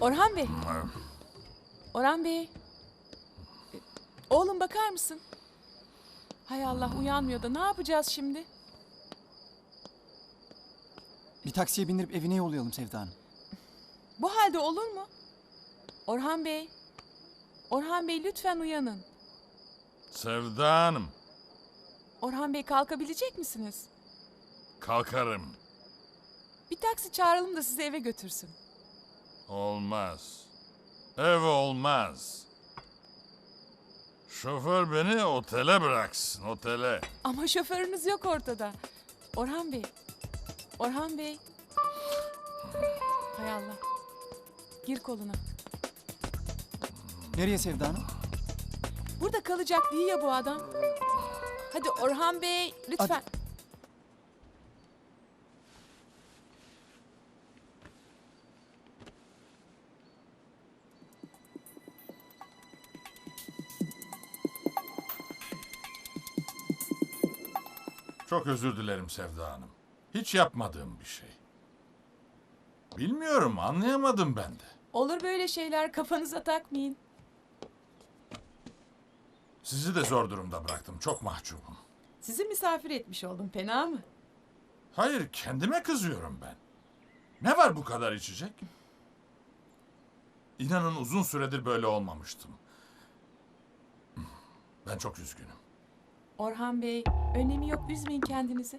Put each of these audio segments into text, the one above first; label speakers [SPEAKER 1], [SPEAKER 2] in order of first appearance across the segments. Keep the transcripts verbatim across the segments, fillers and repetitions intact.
[SPEAKER 1] Orhan Bey. Orhan Bey. E, Oğlum bakar mısın? Hay Allah uyanmıyor da ne yapacağız şimdi?
[SPEAKER 2] Bir taksiye bindirip evine yollayalım Sevda Hanım.
[SPEAKER 1] Bu halde olur mu? Orhan Bey. Orhan Bey lütfen uyanın.
[SPEAKER 3] Sevda Hanım,
[SPEAKER 1] Orhan Bey kalkabilecek misiniz?
[SPEAKER 3] kalkarım.
[SPEAKER 1] Bir taksi çağıralım da sizi eve götürsün.
[SPEAKER 3] Olmaz. Ev olmaz. Şoför beni otele bıraksın, otele.
[SPEAKER 1] Ama şoförünüz yok ortada. Orhan Bey. Orhan Bey. Hay Allah. Gir koluna.
[SPEAKER 2] Nereye Sevda Hanım?
[SPEAKER 1] Burada kalacak değil ya bu adam. Hadi Orhan Bey lütfen.
[SPEAKER 2] Hadi.
[SPEAKER 3] Çok özür dilerim Sevda Hanım. Hiç yapmadığım bir şey. Bilmiyorum, anlayamadım ben de.
[SPEAKER 1] Olur böyle şeyler, kafanıza takmayın.
[SPEAKER 3] Sizi de zor durumda bıraktım, çok mahcubum.
[SPEAKER 1] Sizi misafir etmiş oldum, fena mı?
[SPEAKER 3] Hayır, kendime kızıyorum ben. Ne var bu kadar içecek? İnanın uzun süredir böyle olmamıştım. Ben çok üzgünüm.
[SPEAKER 1] Orhan Bey, önemi yok, üzmeyin kendinizi.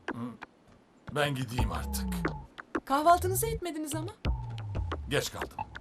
[SPEAKER 3] Ben gideyim artık.
[SPEAKER 1] Kahvaltınızı etmediniz ama.
[SPEAKER 3] Geç kaldım.